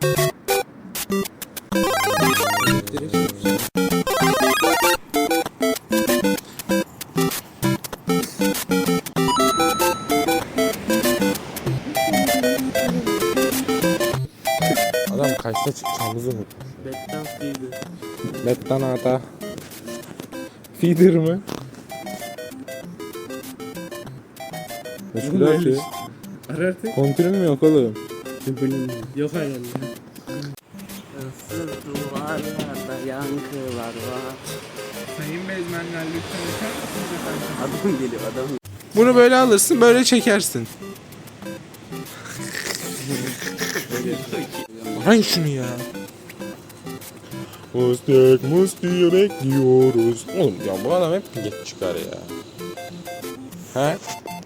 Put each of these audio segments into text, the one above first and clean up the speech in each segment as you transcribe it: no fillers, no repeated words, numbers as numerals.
Adam kaçta çıkacağımızı unutmuş. Bettan feeder. Bettan ata. Feeder mı? Meşgul atıyor. Ara artık. Kontürün mü yok oğlum? Yok herhalde. Issız duvarlarda yankılar var. Sayın bezmenler lütfen açar mısınız efendim? Adam geliyor adam. Bunu böyle alırsın, böyle çekersin. Ay şunu ya. Mustik bekliyoruz. Oğlum ya bu adam hep geç çıkar ya. He?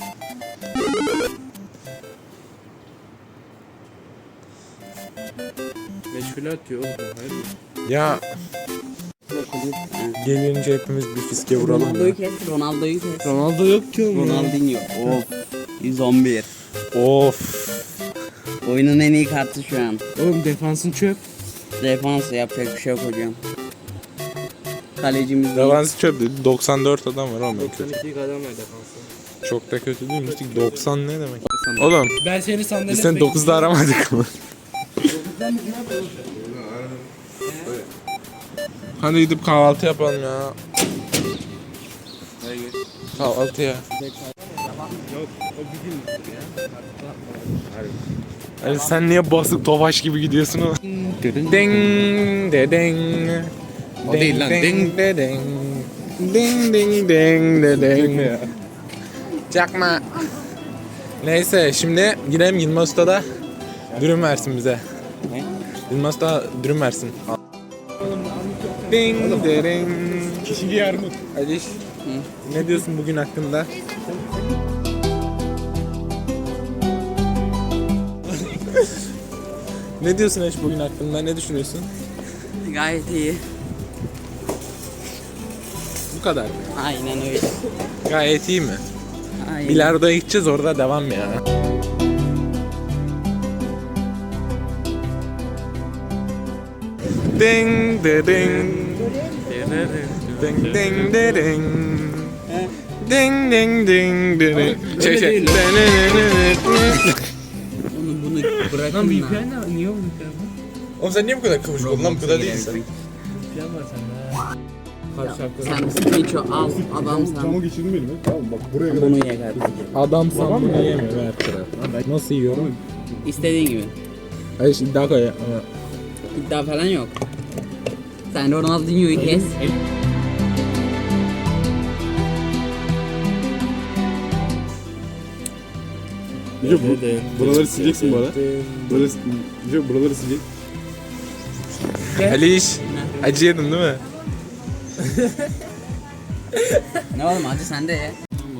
Meşgule atıyor oğlum. Hayır mı? Ya gelince hepimiz bir fiske vuralım Ronaldo'yu ya. kes, Ronaldo'yu kes. Ronaldo yok ki oğlum. Ronaldinho. Of. 111. Of. Oyunun en iyi kartı şu an. Oğlum defansın çöp. Defans yapacak bir şey yok hocam. Kalecimiz değil. Defansı çöp dedi. 94 adam var ama kötü. 92'lik adam var defansı. Çok da kötü değil. Müstik 90 ne demek? Oğlum Ben seni sandalye biz seni 9'da aramadık mı? Hadi gidip kahvaltı yapalım ya. Kahvaltıya. Yok o bir gün ya. Hani sen niye basık tofaş gibi gidiyorsun o? Ding de ding. O değil lan, ding. de ding. Ding ding ding de ding. Çakma. Neyse şimdi gidelim Yılmaz Usta'da dürüm versin bize. Ne? Yılmaz Usta dürüm versin. Ding de ding. Kişiliği armut. Aliş, ne diyorsun bugün hakkında? Ne diyorsun Aliş bugün hakkında? Ne düşünüyorsun? Gayet iyi. Bu kadar mı? Aynen öyle. Gayet iyi mi? Aynen. Bilardo'ya gideceğiz, orada devam ya. Ding de ding. Ding ding de ding. Ding ding ding de ding. Öyle değil lan. Bunu bırakın Lan lan. VPN ne? Niye o VPN? Oğlum sen niye bu kadar kıvırcık oldun lan, bu kadar değilsin. VPN var sende ha. Kaç şarkı? Sen Skycho al adamsan. geçirdim elime. Tamam bak buraya kadar. Bunu ye kardeşim. Adamsan bunu yemiyor her taraf. Nasıl yiyorum? İstediğin gibi. Hayır şimdi daha koy. İddia falan yok. Sen Ronaldinho'yu kes. Buraları sileceksin bu ara. Böyle buraları silecek. Aliş, acı yedin değil mi? Ne oğlum hadi sen de ye.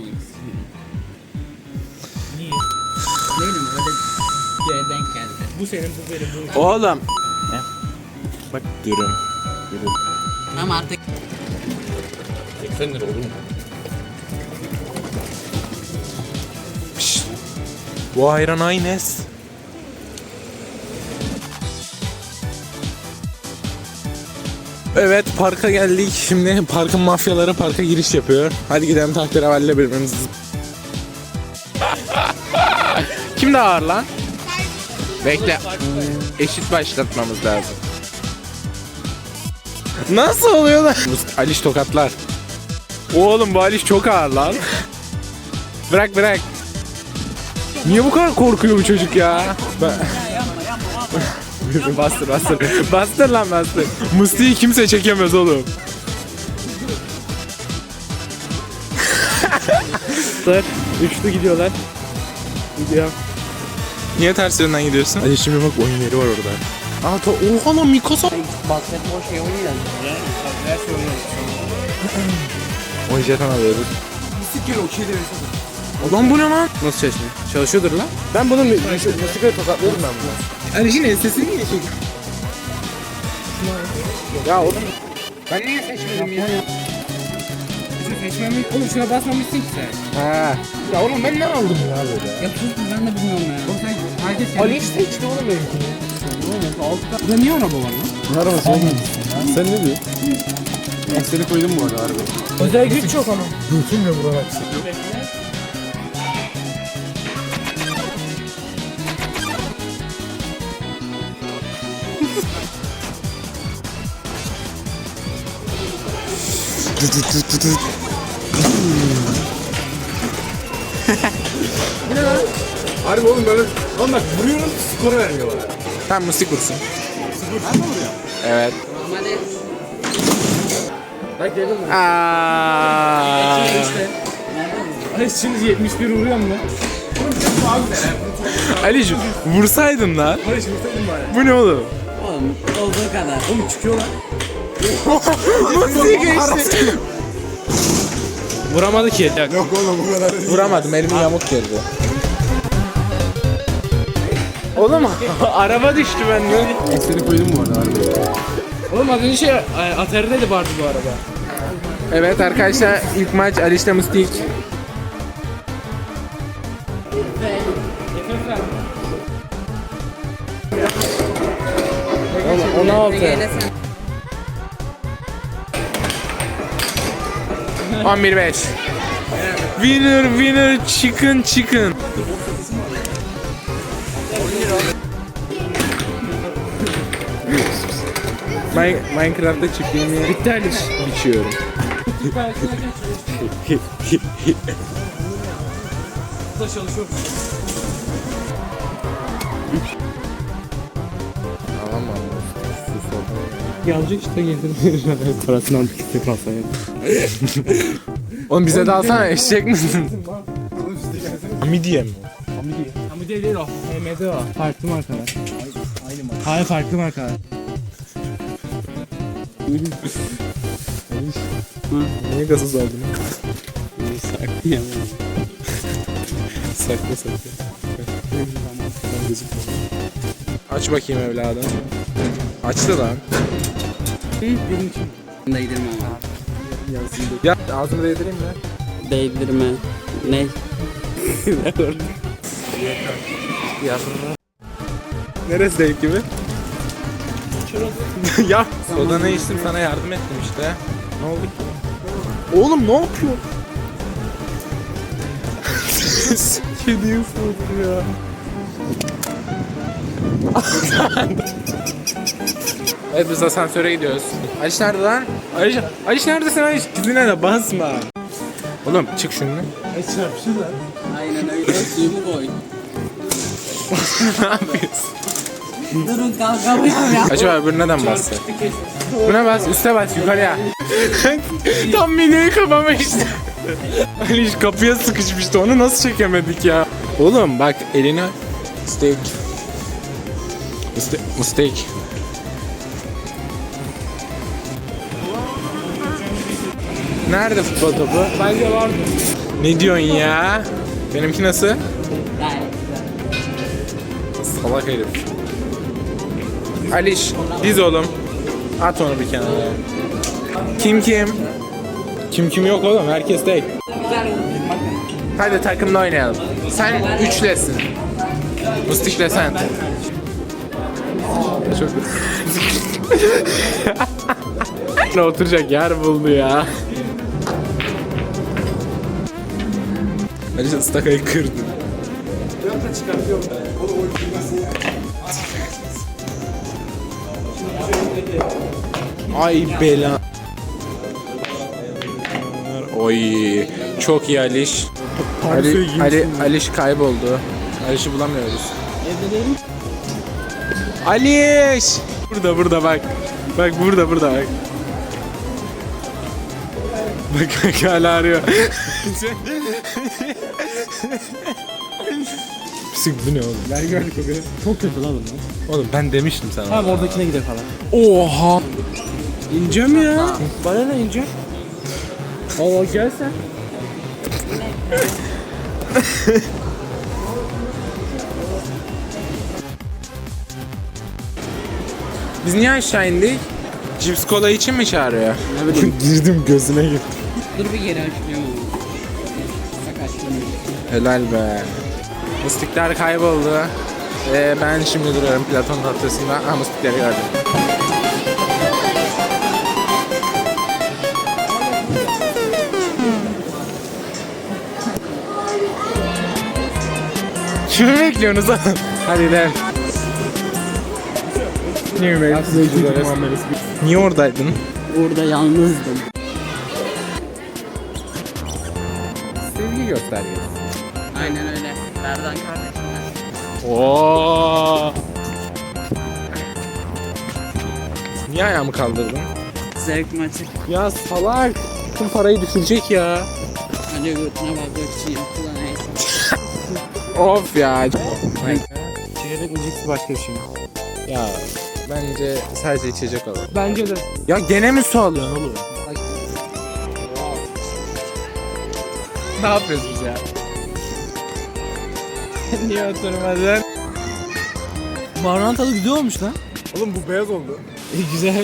Niye? Ne bileyim öyle bir yere denk geldi. Bu senin, bu benim, bu. Oğlum. Bak dürüm. Ama artık 80 lira olur mu? Pişt. Bu ayran Aynes. Evet, parka geldik. Şimdi parkın mafyaları parka giriş yapıyor. Hadi gidelim tahterevalle birbirimizi. Kim daha ağır lan? Bekle. Eşit başlatmamız lazım. Nasıl oluyor lan? Aliş tokatlar. Oğlum bu Aliş çok ağır lan. Bırak bırak. Niye bu kadar korkuyor bu çocuk ya? Bastır bastır. Bastır lan bastır. Musti'yi kimse çekemez oğlum. Üçlü gidiyorlar. Gidiyor. Niye ters yönden gidiyorsun? Hadi şimdi bak oyun yeri var orada. Oha lan Mikasa. basketbol şey oynuyor. Her şey oynuyoruz. Oyun jeton alıyoruz. Siktir o şeyde mesela. Ulan bu ne lan? Nasıl çalışmıyor? Çalışıyordur lan. Ben bunun musikayı tokatlıyorum ben bunu. Aliş'in sesini niye çekiyor? Ya oğlum. Ben niye seçmedim ya? Bizi seçmemiş. Oğlum şuna basmamışsın ki sen. Ha. Ya oğlum ben ne aldım ya böyle? Ya sus ben de bilmiyorum ya. Oğlum sen herkes Ali seçti oğlum benimkini. Burada niye araba var lan? Ne arabası oğlum? Sen ne diyorsun? Seni koydum bu arada harbi. Özel güç yok ama. Götümle vurarak. Harbi oğlum böyle. Oğlum bak vuruyorum skor vermiyorlar. Tamam musik vursun. Evet. Hadi. Bak dedim ben. Aa. Ay şimdi 71 vuruyor mu? Ali'cim vursaydın lan. Bu ne oğlum? Oğlum olduğu kadar. Oğlum çıkıyor lan. Musik geçti. Vuramadı ki. Yok oğlum bu kadar. Vuramadım, elimin yamuk girdi. Oğlum araba düştü benden. Seni koydum bu arada harbi. Oğlum az önce Atari'de de vardı bu araba. Evet arkadaşlar, ilk maç Aliş'le Mustik. Ona 16. 11-5. Winner chicken. Minecraft'ta çiftliğimi Bitti Aliş. biçiyorum. Burada çalışıyor. Tamam abi. Sus oldu. Gelecek işte getir. Parasını aldık işte kasaya. Oğlum bize de alsana, eşek misin? Midye mi? Hamide değil o. HMD o. Farklı markalar. Aynı marka. Hayır farklı markalar. Niye gazoz aldın? saklı ya. Sakla. Aç bakayım evladım. Açtı lan. Benim için. Değdirme ama. Ya ağzımı değdireyim mi? Değdirme. Ne? Neresi değil gibi? Ya soda içtim, sana yardım ettim işte. Ne oldu ki? Oğlum ne yapıyor? Kediyi ısırdı ya. Evet biz asansöre gidiyoruz. Aliş nerede lan? Aliş neredesin Aliş? Dizine de basma. Oğlum çık şunu. Aynen öyle. Suyumu koy. Ne yapıyorsun? Durun kalkamıyorum ya. Acaba öbürü neden bastı? Buna bas, üste bas, yukarıya. Tam mideyi kapamıştı. Aliş kapıya sıkışmıştı, onu nasıl çekemedik ya? Oğlum bak elini... Steak. Steak. Nerede futbol topu? Bence vardı. Ne diyorsun ya? Benimki nasıl? Salak herif. Aliş, diz oğlum. At onu bir kenara. Kim? Kim yok oğlum, herkes tek. Hadi takımla oynayalım. Sen üçlesin. Mustikle sen. Çok... Ne oturacak yer buldu ya. Aliş ıstakayı kırdı. Ay bela. Oy çok iyi Aliş. Aliş kayboldu. Aliş'i bulamıyoruz. Aliş! Burada bak. Bak burada bak. Bak hala arıyor. Pisik bu ne oğlum? Ben gördük o gün. Çok kötü lan bunlar. Oğlum ben demiştim sana. Tamam oradakine gidelim falan. Oha! İneceğim ya. Bana ne ineceğim? Allah gel sen. Biz niye aşağı indik? Cips kola için mi çağırıyor? Girdim gözüne girdim. Dur bir geri açmıyorum ama. Bak açmıyorum. Helal be. Mıstıklar kayboldu. Ben şimdi duruyorum Platon noktasında. Amustikleri gördüm. Kimi bekliyorsunuz oğlum? Hadi gidelim. Niye oradaydın? Burada yalnızdım. Sevgi göstergesi. Aynen öyle. Berdan kardeşim. Oo. Niye ayağımı kaldırdın? Zevk maçı. Ya salak. Tüm parayı düşürecek ya. Hadi götüne bakmak için yaptılar neyse. Of ya. Çeyrek mi cips başka bir şey mi? Ya bence sadece içecek alalım. Bence de. Ya gene mi su alıyorsun oğlum? Ne yapıyorsunuz ya? Niye oturmadın? Barman tadı güzel olmuş lan. Oğlum bu beyaz oldu. Güzel.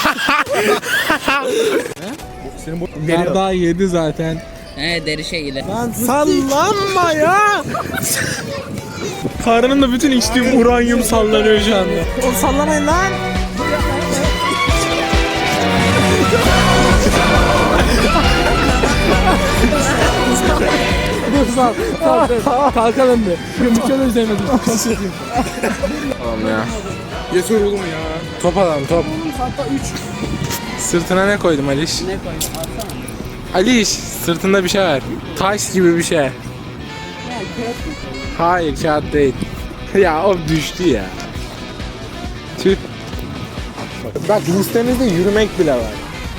Senin bu Bardağı yedi zaten. Deri şeyle. Sallanma ya! Karnımda bütün içtiğim uranyum sallanıyor şu anda. Oğlum sallamayın lan! Kalkalım bir. Yumuşalı üzerine Oğlum ya. yeter oğlum ya. Top alalım top. Sırtına ne koydum Aliş? Ne koyayım? Alsana. Aliş sırtında bir şey var. Taş gibi bir şey. Hayır kağıt değil. Ya o düştü ya. Tüh. Bak listemizde yürümek bile var.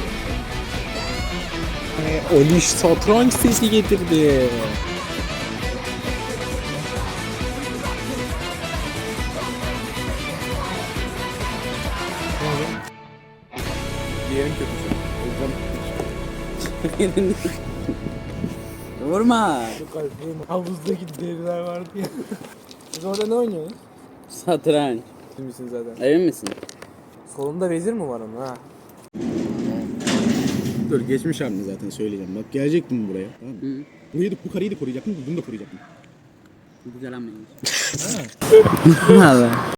Aliş satranç sesi getirdi. Diğerin kötüsü. O yüzden Vurma. Havuzdaki deriler vardı ya. Biz orada ne oynuyoruz? Satranç. Misin zaten. Emin misin? Solunda vezir mi var onun ha? Dur geçmiş hamle zaten söyleyeceğim. Bak gelecektim buraya. Tamam mı? Hı. Burayı da bu kareyi de koruyacaktım. Bunu da koruyacaktım. Güzel anlayış. Abi.